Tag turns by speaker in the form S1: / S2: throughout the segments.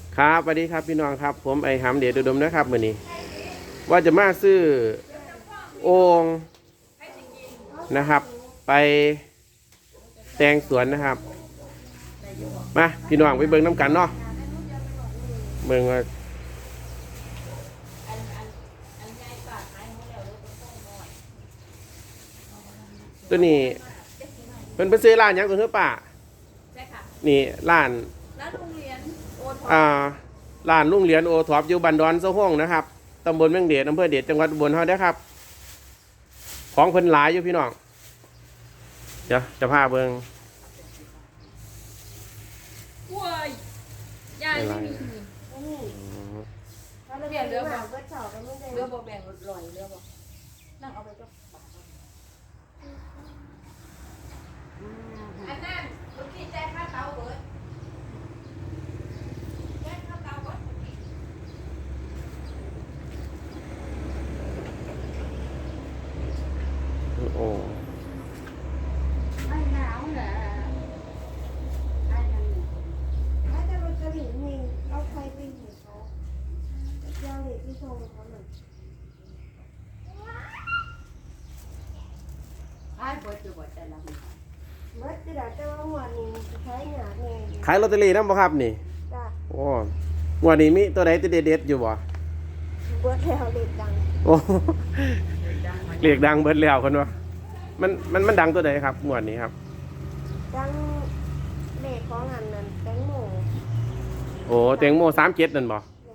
S1: ครับสวัสดีครับพี่น้องครับผมไอหำเดชอุดมนะครับมื้อนี้ว่าจะมาซื้อโอ่งนะครับ ไปแต่งสวนนะครับมาพี่น้องไปเบิ่งน้ำกันเนาะเบิ่งว่าตัวนี้เป็นไปซื้อร้านหยังตัวเนื้อป่านี่ร้าน
S2: โรงเรียนโอท
S1: ร้านลุงเหรียญโอท็อปอยู่บันดอนเซาห้องนะครับตำบลเมืองเดชอำเภอเดชจังหวัดอุบลเฮาเด้อครับของเพิ่นหลายอยู่พี่น้องเดี๋ยวจะพาเบิ่ง
S2: กล้วยยายไม่มีเรียนเรือบอกเรือบอกแบ่งลอยเรือบอกนั่งเอาไปก็อันนั้นเมื่อกี้แจ้งค่าเตาเบิร์ดแจ้งค่าเตาเบิร์ด
S1: โอ้
S3: ไม่หนาวเหรอไอ้นั่นเนี่ยถ้าจะมันจะหลีนี่เอาใครไปหิวเขาเจ้าเด็กที่โชว์เขาหน่อย
S2: ไอ้เบิร์ดจะบอกแต่ละคน
S3: เมื่อจะได้แต่ว่าหัวนี้ใช้หยาดเนี่ย
S1: ขายลอตเตอรี่นำบ่ครับนี่
S3: จ้ะ
S1: โอ้งวดนี้มีตัวใดตัวเด็ดๆอยู่บ่
S3: เบิร์ดแล้วเด็กดัง
S1: โอ้เรียกดังเบิดแล้วคนวะมันดังตัวใดครับงวดนี้ครับ
S3: ดังเด็กของอันนั้นแตงโม
S1: โอ้แตงโม37นั่นบ่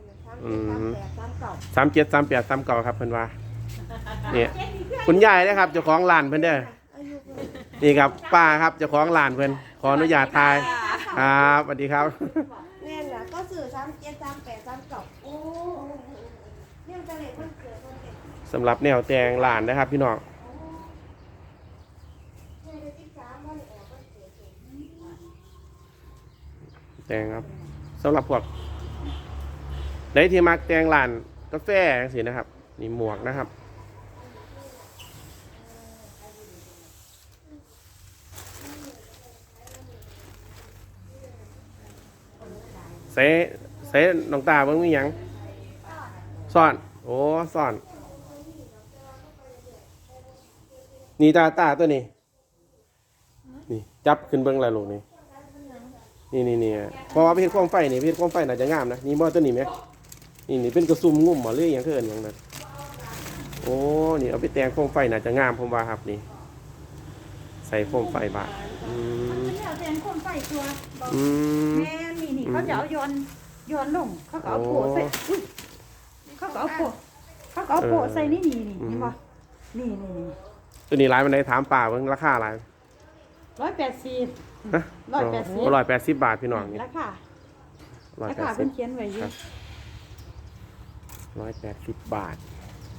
S1: 373839ครับเพิ่นว่าเนี่ยคุณยายนะครับเจ้าของร้านเพิ่นเด้อนี่ครับป้าครับเจ้าของร้านเพิ่นขออนุญาตถ่ายครับสวัสดีครับ
S3: เนี่ยนะก็สื่อ373839โอ้เนี่ยจะเล็กมันเกิดมันเด็ก
S1: สำหรับแนวแต่งร้านนะครับพี่น้องแต่งครับสำหรับพวกได้ที่มักแต่งร้านกาแฟสินะครับนี่หมวกนะครับใส่น้องตาเบิ่งมีหยังซ่อนโอ้ซ่อนนี่ตาตัวนี้นี่จับขึ้นเบิ่งอะไรลูกนี่นี่เพราะว่าเพชรความไฟนี่เพชรความไฟน่าจะงามนะนี่บ่ตัวนี้ไหมนี่เป็นกระซุ่มงุ่มบ่หรืออย่างเกินอย่างนั้นโอ้นี่เอาไปแต่งความไฟน่าจะงามผมว่าครับนี่ใส่ความไฟบาท
S3: มันจะเอาแทนคนไฟตัวบอกแม่นี่เขาจะเอาย้อนลงเขาก็เอาโผล่ใส่เขาก็เอาโผล่ใส่นี่เห็นป่ะนี่
S1: ตัวนี้ร้านมันได้ถามป่าเบิ่งราคาอะไร
S3: 180
S1: ฮะ180 บาทพี่น้องนี่
S3: ราคาเพิ่นเขียนไว้อยู่
S1: 180 บาท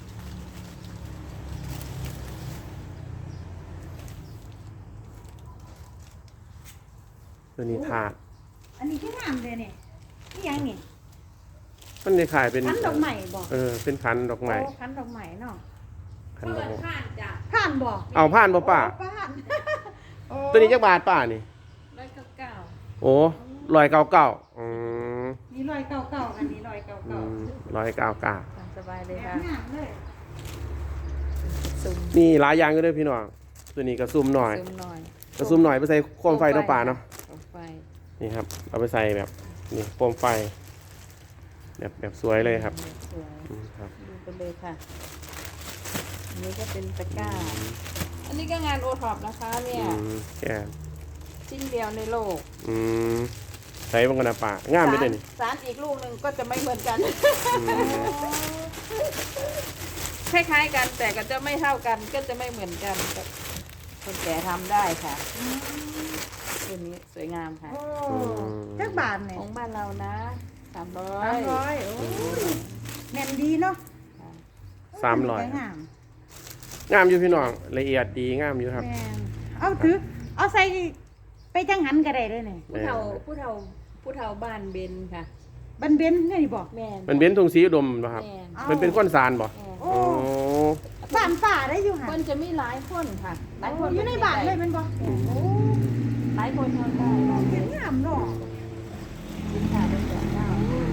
S1: ตัวนี้ถาด
S3: อันนี้ที่งามเลยนี่ยังนี่
S1: มันจะขายเป็น
S3: ขันดอกไม้บอก
S1: เป็นขันดอกไม้
S3: ขันดอกไม้เนาะ
S1: ขันดอกไม้
S3: ผ่านบอก
S1: เอาผ่านบ่ป้าตัวนี้จักบาทป้านี่
S2: 199
S1: โอ้199
S3: นี่199อันนี้
S1: 199
S2: สบายเลยค่ะ
S1: นี่หลายอย่างก็ด้วยพี่น้องตัวนี้กระซุ่มหน่อยกระซุ่มหน่อยไปใส่โคมไฟเนาะป่าเนาะนี่ครับเอาไปใส่แบบนี่โคมไฟแบบสวยเลยครับ
S2: ครับดูกันเลยค่ะอันนี้ก็เป็นตะกร้าอันนี้ก็งานโอท็อปนะคะเนี่ย
S1: แก
S2: ชิ้นเดียวในโลก
S1: ใช้บางกระป่างามไม่ได้นี่
S2: สารอีกลูกหนึ่งก็จะไม่เหมือนกันคล้ายๆกันแต่ก็จะไม่เท่ากันก็จะไม่เหมือนกันคนแก่ทำได้ค่ะตัวนี้สวยงามค่ะ
S3: จักบาทเนี่ย
S2: ของบ้านเรานะ300
S3: โอ้แน่นดีเนาะ
S1: 300งามอยู่พี่น้องละเอียดดีงามอยู่ครับ
S3: เอาใส่ไปจังหันก็ได้เลยเนี่ย
S2: ผู้เฒ่าบ้านเบนค่ะ
S3: บันเบนนี่บอก
S2: แม่
S1: มันเบนทงสีอุดมป่ะครับมันเป็นก้อนซานบ่
S3: โอ้บ้านป่าได้อยู่ค่ะ
S2: มันจะมีหลายคนค่ะหลายคน
S3: อยู่ในบ้านเลยมันบอก
S2: หลายคนทำได้
S3: เป็นงามเนาะ
S2: สินค้าเป็นแบบ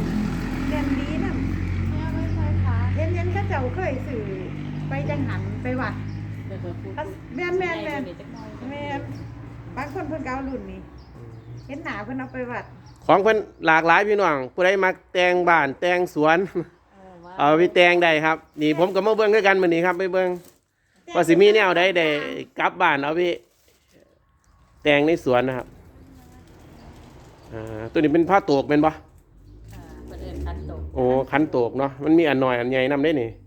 S3: ม่นดีนำ
S2: ไม่เอาไว้ใช้ขา
S3: เห็นเขาเจ้าเคยสื่อไปจังหันไปวัด
S2: เดี๋ยวพูด
S3: แม่น
S2: แม่น
S3: บางคนเพิ่นก็เอารุ่นนี้เห็นหนาเพิ่นเอาไปวัด
S1: ของเพิ่นหลากหลายพี่น้องผู้ใดมักแต่งบ้านแต่งสวน เอาไปแต่งได้ครับนี่ผมก็มาเบิ่งด้วยกันมื้อนี้ครับไปเบิ่งว่าสิมีแนวใดได้กลับบ้านเอาไปแต่งในสวนนะครับตัวนี้เป็นผ้าโตกเป็นบ่
S2: ประเด็นคันตก
S1: โอ้คันโตกเนาะมันมีอันน้อยอันใหญ่นำได้นี่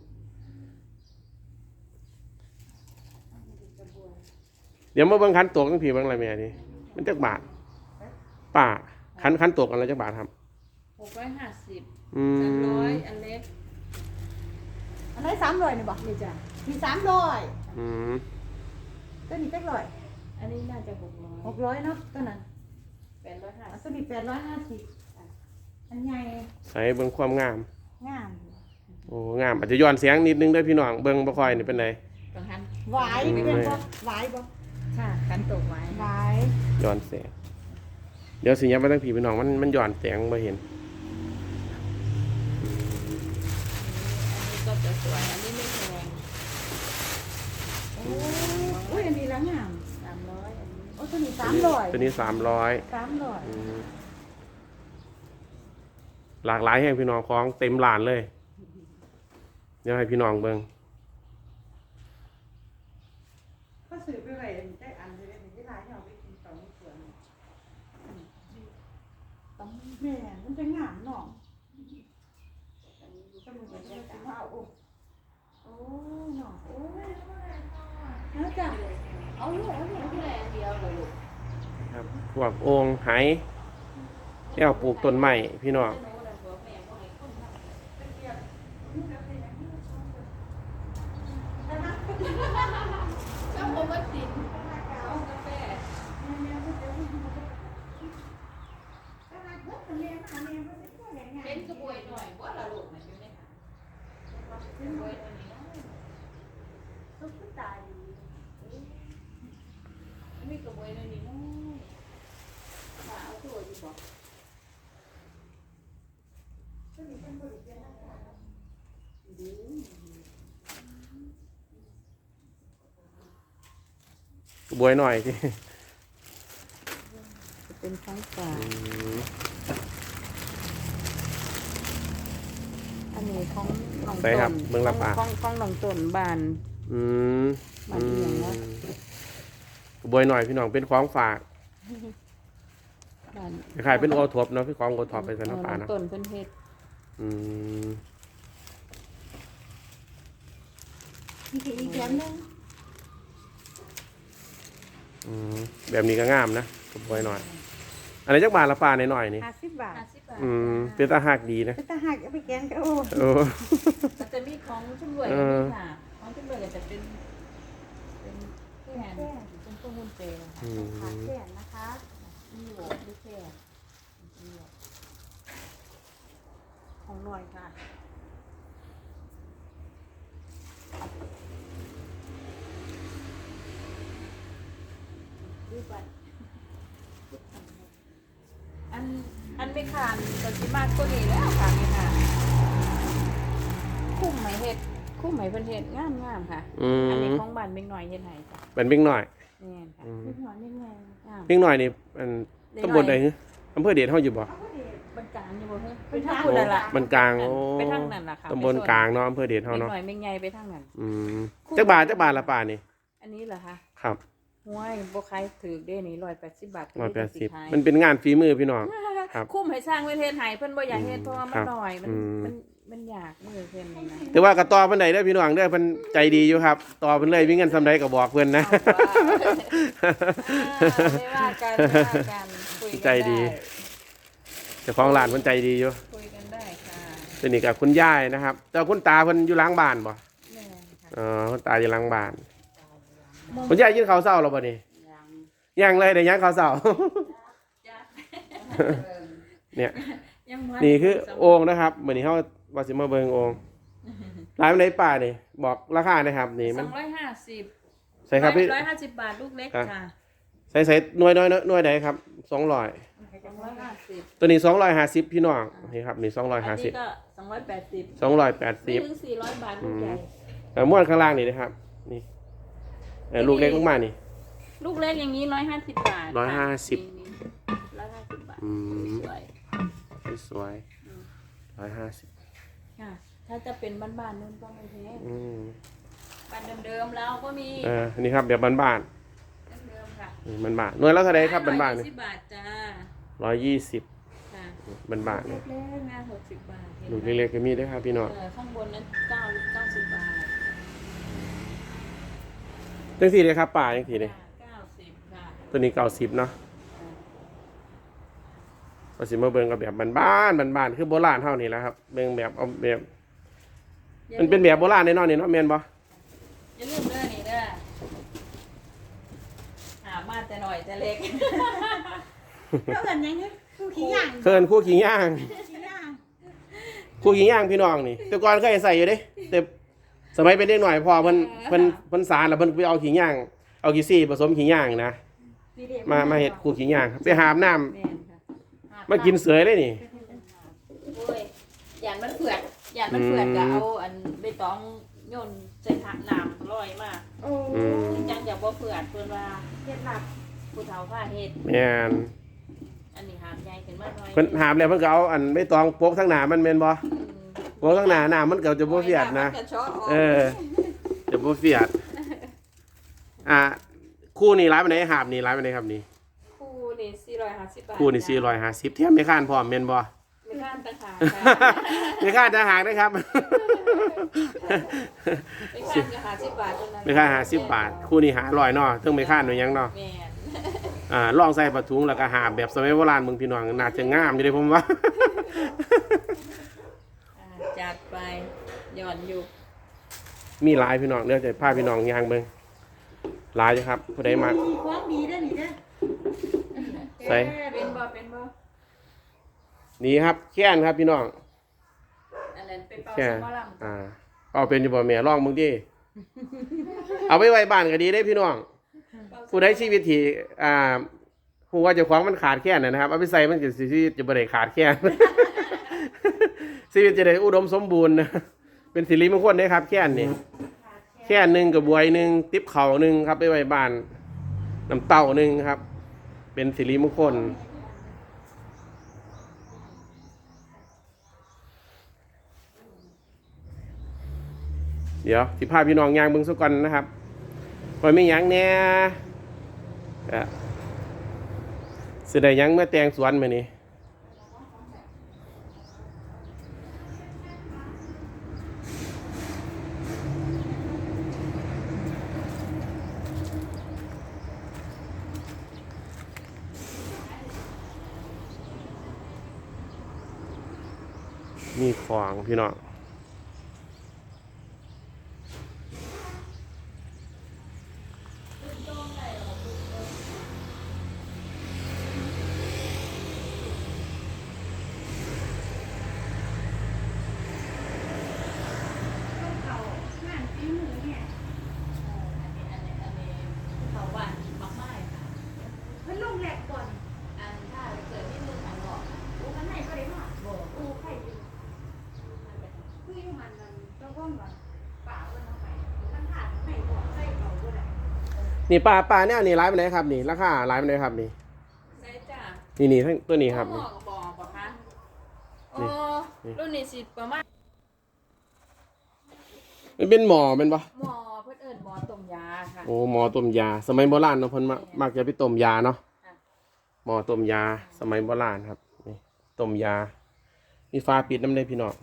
S1: เดี๋ยวมาเบิ่งคันโตกทั้งผีเบิ่งอะไรแม่นี่มันจักบาทป้าคันโตกอันละจักบาทครับ
S2: 650
S1: อืม
S2: 300อันเล็ก
S3: อันไหน300นี่บ่
S2: นี่จ้ะ
S3: มี300
S1: อืม
S3: ตัวนี้จักร้อย
S2: อันนี้น่าจะ600
S3: 600เนาะตัวนั้น
S2: 850
S3: ตัวนี้850อันใหญ่
S1: ใส่เบิ่งความงาม
S3: งาม
S1: โอ้งามอาจจะย้อนเสียงนิดนึงเด้อพี่น้องเบิ่งบ่ค่อยนี่เป็นได
S2: กังหัน
S3: หวายเป็นบ่หวายบ่
S2: ค่ะคันตกไว้
S3: หวาย
S1: ย้อนแสงเดี๋ยวสิยับไปทั้งผีพี่น้องมันย้อนแสงบ่เห็น
S2: อันนี้ก็จะสวยอันนี้ไม่แพง
S3: โอ้ยอันนี้ละงาม
S2: 300อันนี้
S3: โอ้ตัวนี้300
S1: ตัวนี้300
S3: 300
S1: อืมหลากหลายแห่งพี่น้องของเต็มร้านเลย เดี๋ยวให้พี่น้องเบิ่ง
S3: ก็ซื้อไปไว้ได้อันจะได้หลายเอาไปกินต่อในสวนต้องแม่มันจะงามเนาะอันนี้ก็มันจะได้สิว่าโอ้เนาะโอ้ยแล้วจ้ะเอาลูกเอาลูก
S2: ที่ไหนอันเดียวเลยลูก
S1: ครับพวกโอ่งไหแล้วปลูกต้นไม้พี่น้อง
S2: ชอบโอวัลตินกาแฟเป็นกระบวยหน่อยว่าละลูกมันอยู่ในหางกระบวยตัวนี้นะมีกระบวยตัวนี้นะเอาตัวอยู่บ่
S1: บวยหน่อยที่
S2: จะเป็นไฟฟ้าอันนี้ของหนอง
S1: ใส่ครับเบิ่งละปา
S2: ของหนองต้นบาน
S1: อืม
S2: บานเอียงเนาะ
S1: บวยหน่อยพี่น้องเป็นของฝาก
S2: บาน
S1: ขายเป็นโอท็อปเนาะพี่ของโอท็อปเป็นสัน
S2: หน
S1: น้ำปลา
S2: อง
S1: เนาะ
S2: ต้นเพิ่นเฮ็ด
S1: อืม
S3: มีอีกแถมนึง
S1: อืมแบบนี้ก็งามนะบวยหน่อยอันนี้จักบาทละปลาหน่อยๆนี่
S3: 50 บาท
S2: 50 บาท
S1: อืมเป็นตาหักดีนะ
S3: เป็นตาหักเอาไปแกงก็โอ้
S1: โอ้
S2: มันจะมีของชุ่มรวยอันนี้ค่ะของชุ่มรวยก็จะเป็นแค่เป็นพวกหุ้นเจนะ
S1: อื
S3: ขา
S1: ม
S3: แขนนะคะ
S2: มีโหวตด้วยแค่
S3: ของหน่อยค่ะ
S2: ดูไปอันไม่ขานก็สิมากกว่านี้แล้วค่ะนี่ค่ะคุ้มไหมเฮ็ดคุ้มไหมเพิ่นเฮ็ดงามค่ะ
S1: อืม
S2: อันนี้ของบ้านเม็กน้อยเฮ็ดให้จ้ะ
S1: เป็นบิ่งหน่อย
S2: นี่ค่ะ
S1: อืม
S3: นิดหน่อยนิดหน่อย
S2: งาม
S1: บิ่งหน่อยนี่อันตำบลใดฮึอำเภอเดชเฮาอยู่บ่
S3: เอาก็ดี
S2: บนกลางอยู่บ่เฮ้ยไปทางพุ่นนั่นล่ะ
S1: มันกลางโอ้
S2: ไปทางนั้นล่ะค่ะ
S1: ตำบลกลางเนาะอำเภอเดชเฮา
S2: เม็ก
S1: เนาะ
S2: น้อยเม็กใหญ่ไปทางนั้น
S1: อืมจักบาทละปลานี่
S2: อันนี้เหรอคะ
S1: ครับ
S2: ห้วยบ่ขายถือเด้นี่180 บาท
S1: 180มันเป็นงานฝีมือพี่น้อง ครับ
S2: คุ้มให้สร้างเวทเฮ็ดให้เพิ่นบ่อยากเฮ็ดเพราะว่ามั
S1: ครั
S2: น
S1: บ
S2: น้อยมัน
S1: อืม
S2: มันยากมือเพิ่นนะ
S1: แต่ว่ากระต่อเพิ่นได้เด้อพี่น้องเด้อเพิ่นใจดีอยู่ครับต่อเพิ่นเลยมีเงินซำใดก็บอกเพิ่นนะ
S2: ไม่ว่ากันไม่ว่ากันคุยกัน
S1: ใจดี เจ้าของร้านเพิ่นใจดีอยู่
S2: คุยกันได้ค่ะ
S1: สนิทกับคุณย่ายนะครับแต่คุณตาเพิ่นอยู่หล้างบ้านบ่
S2: แม่นค่ะ
S1: อ๋อคุณตาอยู่หล้างบ้านคุณย่ายกินข้าวเช้าแล้วบ่นี่ยังเลยได้ยังข้าวเช้า
S2: จ้ะ
S1: เนี่ย
S2: ยังบ่
S1: นี่คือโอ่งนะครับมื้อนี้เฮาว่าสิมาเบิ่งโอ่งร้านไหนป่านี่บอกราคาหนะครับนี่มัน
S2: 250
S1: ใช่ครับพี่
S2: 150 บาทลูกเล็ก
S1: ครับ
S2: ค่ะ
S1: ใส่หน่วยน้อยหน่วยใดครับ200
S2: 250
S1: ตัวนี้250พี่น้องนี่ครับนี่
S2: อันนี้
S1: 250
S2: ก็280
S1: 280
S2: ไม่ถึง400 บาทลูกใหญ่
S1: ม้วนข้างล่างนี่นะครับนี่ลูกเล็กมากๆนี่
S2: ลูกเล็กอย่างนี้150 บาท
S1: 150
S2: 150 บาทสวย
S1: สวย 150
S2: ค่ะถ้าจะเป็นบ้านๆนู่นก็ไม่แพง บ้านเดิมๆเราก็มี
S1: นี่ครับแบบบ้าน
S2: เดิมๆค่ะ
S1: ๆบ้านๆหน่วยแล้วเท่าไหร่ครับบ้านๆนี่
S2: 120 บาทจ้า
S1: 120
S2: ค่ะ
S1: บ้านๆ
S2: เล็
S1: นี่
S2: กๆนะ60 บาท
S1: ลูกเล็กๆก็มีด้วยครับพี่น้อง
S2: ข้างบนนั้น90 บาท
S1: จังสี่เลยครับป่าจังสี่เลย
S2: 90ค่ะ
S1: ตัวนี้90เนาะภาษีมาเบิ่งกับแบบบ้านๆคือโบราณเท่านี้แหล้วครับเบิ่งแบบเอาแบบมันเป็นแบบโบราณแน่นอนนี่เนาะแม่นบ่
S2: อย่าลืมเด้อนี่เด้อหามาแต่หน่อยแต่เล็ก
S3: แล้วเอิ้นหยังคือคู่ขี้ย่าง
S1: เคินคู่ขิงย่าง
S3: ขี้ย่าง
S1: คู่ขิงย่างพี่น้องนี่ แต่ก่อนเคยใส่อยู่เด้แต่สมัยเป็นเด็กหน่อยพอเพิ่นสารแล้วเพิ่นไปเอาขิงย่างเอาขี้ซี่ผสมขิงย่างนะ
S3: นี่เด้
S1: มาเฮ็ดคู่ขิงย่างไปหาบน้ำ
S2: แม่นค่ะ
S1: มากินเสยเลยนี่
S2: โอ้ยหยานมันเผือกหยานมันเผือกก็เอาอันใบตองโยนใส่ถังน้ำลอยมาก
S3: โอ้
S2: จังอย่าบ่เผือกเพิ่นว่า
S3: เฮ็ดลับ
S2: ผู้เฒ่าพาเฮ็ด
S1: แม่น
S2: อันนี้หามใหญ่ขึ้นมาหน่อย
S1: เพิ่นหาบแล้วเพิ่นก็เอาอันใบตองโปกทั้งหน้ามันแม่นบ่โปกทั้งหน้าน้ำมันก็จะบ่เฟียดนะ
S2: มัก็เชาออก
S1: จะบ่เฟียดคู่นี่ร้ายปานใดหาบนี่ร้ายปานใดครับนี่
S2: คู่นี่450 บาท
S1: คู่นี่450เทียมไม่ค้านพร้อมแม่นบ่
S2: ไม่ข้ามต่างหากค่ะ
S1: ไม่ค้านจะหากนะครับ
S2: ไม่ข้ามก็50 บาทเท่านั้น
S1: ไม่ค้าน50 บาท คู่นี้500เนาะถึงไม่ค้านหน่อยยังเนาะ
S2: แม่น
S1: ลองใส่ผ้าถุงแล้วก็หาบแบบสมัยโบราณเบิ่งพี่น้องน่าจะงามอยู่เด้ผมว่า
S2: จัดไปหย่อนอยู่
S1: มีหลายพี่น้องเดี๋ยวจะพาพี่น้องย่างเบิ่งหลายอยู่ครับผู้ใดมา
S3: มีของดีเด้อนี่เด้อ
S1: ใส่
S2: เป็นบ่
S1: นี่ครับแค้นครับพี่น้อง
S2: อันนั้นเป็นเป่า
S1: แค่
S2: สมอลำ
S1: เอาเป็นอยู่บ่แม่ลองมึงดิ เอาไปไว้บ้านก็ดีได้พี่น้อง ผู้ใดชีวิตที่ผู้ว่าเจ้าของมันขาดแคลนนะครับ เอาไปใส่มันก็สิชีวิตจะบ่ได้ขาดแคลน ชีวิตจะได้อุดมสมบูรณ์นะเป็นสิริมงคลเด้ครับแค่นนี่แค่นหนึงกับบวยหนึงติ๊บเข่าหนึงครับไปไว้บ้านน้ำเต้าหนึงครับ เป็นสิริมงคล เดี๋ยวสิพาพี่น้องย่างเบิ่งซะก่อนนะครับพอยไม่หยังแหน่สิได้หยังเมื่อแตงสวนมื้อนี้มีของพี่น้องนี่ปลาเนี่ยนี่ร้ายไปไหนครับนี่ราคาร้ายไปไหนครับนี่
S2: ใช่จ้ะ
S1: นี่ทั้งตัวนี้ครับ
S2: หม้
S1: นี่
S2: อบ่ปะคะโอ้
S1: นี่
S2: รุ่นนี้สิประมาณ
S1: มันเป็นหมอเป็นปะ
S2: หม้อเพิ่นเอิ้นหม้อต้มยาค่ะ
S1: โอ้หมอต้มยา สมัยโบราณเนาะเพิ่นมักจะไปต้มยาเนาะ
S2: ค่ะ
S1: หมอต้มยาสมัยโบราณครับนี่ต้มยามีฟ้าปิดน้ำได้พี่น้อง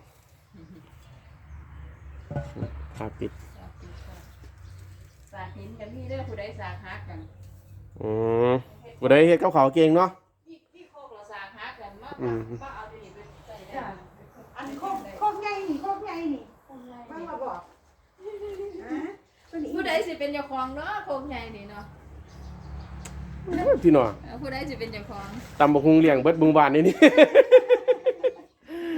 S1: ฟ้าปิด
S2: สากหินกันมีเด้อผู้ใดสากฮักกัน
S1: บ่ได้เฮ็ดกับข้าวเก่งเนาะ
S2: พี่โคกเราสากฮักกันมา
S1: อืม
S2: ป้าเอาตัวนี้ไปใส่ได้
S3: จ้ะอันโคกใหญ่นี่โคกใหญ่นี่บ้างมาบอกตัวนี้
S2: ผู้ใดสิเป็นเจ้าของเนาะโคกใหญ่นี่เนาะ
S1: พี่น้อง
S2: ผู้ใดสิเป็นเจ้าของ
S1: ตำบักหุงเลี้ยงเบิดหมู่บ้านนี่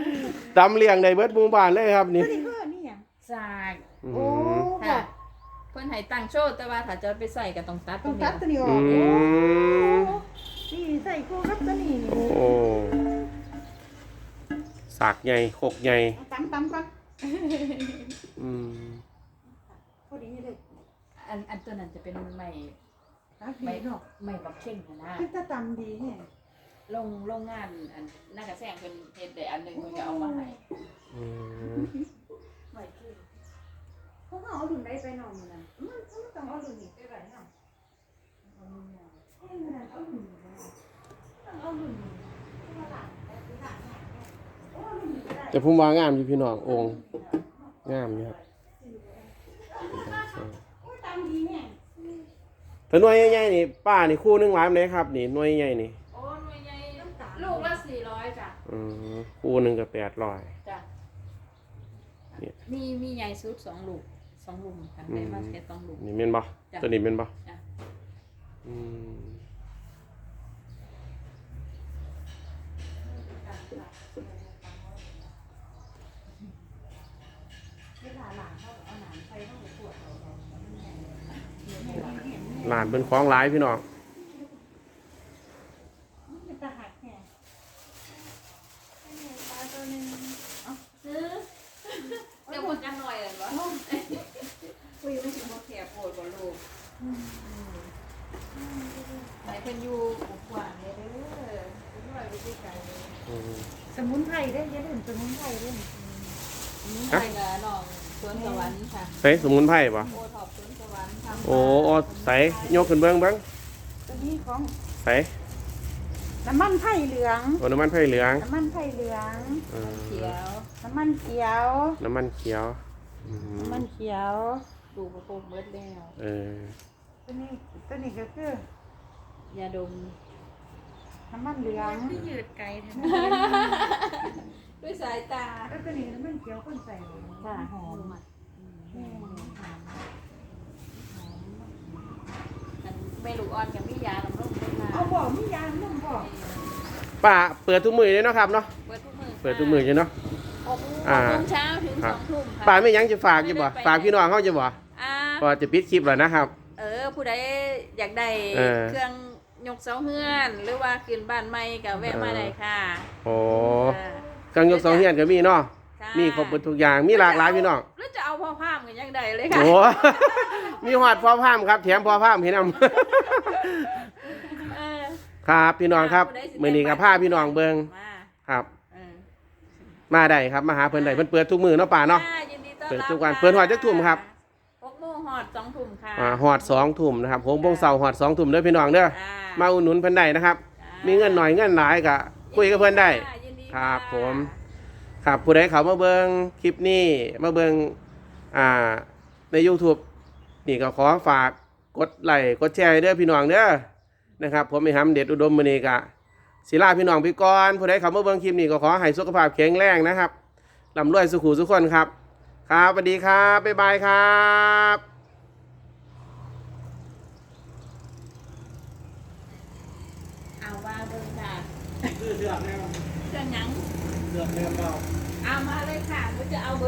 S1: ตำเลี้ยงได้เบิดหมู่บ้านเลยครับนี่
S3: ตัวนี้คือนี่หยัง
S2: สาก
S1: อื
S3: โอ้
S1: ม
S3: ค่ะ
S2: พิ่นให้ตั้งโชว์แต่ว่าถ้าจะไปใส่ก็ต้องตัด
S3: ต้องตัดตัวนี้ออก
S1: อื
S3: โอ้
S1: ม
S3: นี่ใส่คู่กับตัวนี้นี่
S1: โอ้สากใหญ่โคกใหญ่
S3: เอาตำก่อน
S1: อืม
S3: พอดีเลย
S2: อันตัวนั้นจะเป็นไม้
S3: ตักดี
S2: ไม้
S3: เนาะ
S2: ไม้บักเข่งนะ
S3: คือถ้าตำดีเนี่ย
S2: โรงงานอันน่ากระแซงเพิ่นเฮ็ดได้อันหนึงเพิ่นก็เอามาให้
S1: อืม
S3: ไหวคือเพราะว่าเอาดุนได้ไปหน่อยนึงนะมันต้องเอาดุนนี้ไปไว้เนาะเอาดุนนี้เอาดุนนี้ต้องเอาดุนนี้
S1: แต่ผมว่างามอยู่พี่น้ององค์งามอยู่ครับ
S3: โอ้ยตำดีเนี่ย
S1: ถ้าหน่วยใหญ่ๆนี่ป้านี่คู่หนึงหลายปานใดครับนี่หน่วยใหญ่นี่
S2: โอ้หน่วยใหญ่ลูกละ400จ้ะ
S1: คู่หนึงก็800
S2: จ้ะ
S1: เนี่ย
S2: มีใหญ่สุด2ลูก2ลุมค่ะได้มาแค่2ลูก
S1: นี่แม่นบ่
S2: จ้ะ
S1: ตัวนี้แม่นบ่
S2: จ้ะ
S1: อืม
S3: เวลาหลานเขาเอาหนามไปเขาก็ปวดเอา
S1: หลานเป็นของหลายพี่น้อง
S3: มันจะหักแค่ปลาตัวนึงเอาซื้อ
S2: เดี๋ยวคนกันหน่อยเหรอวะคุยไม่ถึงว่าแขกโปรดบ่ลูกไหนเพิ่นอยู่กว้างเลยเด้อเพิ่นน้อยไปที่ไกลเลย
S3: สมุนไพรได้อย่าลืมสมุนไพรด้วย
S2: ใช่กับน้องสวนสวรรค์ค่ะ
S1: ใส่สมุนไพรบ่
S2: โอท็อปสวนสวรรค์ทำ
S1: โอ้ใส่ยกขึ้นเบิ่ง
S3: ตัวนี้ของ
S1: ใส่
S3: น้ำมันไผ่เหลือง
S1: โอ้น้ำมันไผ่เหลือง
S3: น้ำมันไผ่เหลือง
S2: เขียว
S3: น้ำมันเขียว
S1: น้ำมันเขียว
S3: น้ำมันเขียว
S2: ดูกระโปรงเบิดแล้ว
S3: ตัวนี้ก็คือย
S2: าดม
S3: น้ำมันเหลือง
S2: ที่ยืดไกลแท้ด้วยสายตา
S3: แล้วตัวนี้น้ำมันเขียวคนใส่
S2: ค่ะหอมอ่ะ
S3: แม่
S2: เมลูกอ่อนกับมียาลำร่มต้นนา
S3: เอาบอกมียางนุ่มบอก
S1: ป้าเปิดทุกมื้อเลยเนาะครับเนาะ
S2: เปิดทุกมือ
S1: เปิดทุกมื้ออยู่เนาะ
S2: 6 โมงเช้าถึง 2 ทุ่มค่ะ
S1: ป้าไม่ยังจะฝากอยู่บ่ฝากพี่น้องเขาจะบ่
S2: อ่า
S1: พอจะปิดคลิปแล้วนะครับ
S2: ผู้ใดอยากได้
S1: เออ
S2: เครื่องยกเสาเฮือน หรือว่าขึ้นบ้านใหม่ก็แวะมาได้ค่ะ
S1: โอ้
S2: ค่ะ
S1: เครื่องยกเสาเฮียนก็มีเนาะ
S2: ค่ะ
S1: มีครบหมดทุกอย่างมีหลากหลายพี่น้อง
S2: แล้วจะเอาพ่อภาพกันยังไงเลยค่ะ
S1: โอ้ มีหอดพอพามครับแถมพอพามให้นำ
S2: เออ
S1: ครับพี่น้องครับ
S2: ผู้ใดสิ
S1: มื้อนี้ก็พาพี่น้องเบิ่ง
S2: มา
S1: ครับ
S2: เออ
S1: มาได้ครับมาหาเพิ่นได้เพิ่นเปิดทุกมื้อเนาะป้าเนาะ
S2: ค่ะยินดีต้อน
S1: เปิด
S2: รับ
S1: ทุกวัน
S2: ค่ะ
S1: เปิดฮอดจักทุ่มครับ
S2: 6 โมงฮอด 2 ทุ่มค่ะ
S1: ฮอด2ทุ่มนะครับ6โมงเช้าฮอด2ทุ่มเด้อพี่น้องเด้อ
S2: อ่า
S1: มาอุดหนุนเพิ่นได้นะครับ
S2: อ่า
S1: มีเงินหน่อยเงินหลายก็คุยกับเพิ่นได้
S2: ค่ะยินดี
S1: ครับ
S2: ะ
S1: ผม ครับผู้ใดเขามาเบิ่งคลิปนี้มาเบิ่งใน YouTube นี่ก็ขอฝากกดไลค์กดแชร์ให้เด้อพี่น้องเด้อนะครับ ผมไอ้หำเด็ดอุดมมื้อนี้ก็ศิลาพี่น้องพี่ก่อนผู้ใดเขามาเบิ่งคลิปนี้ก็ขอให้สุขภาพแข็งแรงนะครับร่ำรวยสุขุสุขคนครับครับสวัสดีครับบ๊ายบายครับ
S2: เอาว่าเบิ่งค่ะ
S1: เสือกแนว
S2: เครื่องหยัง
S1: เสือกแนวเบา
S2: เอามาเลยค่ะหนูจะเอา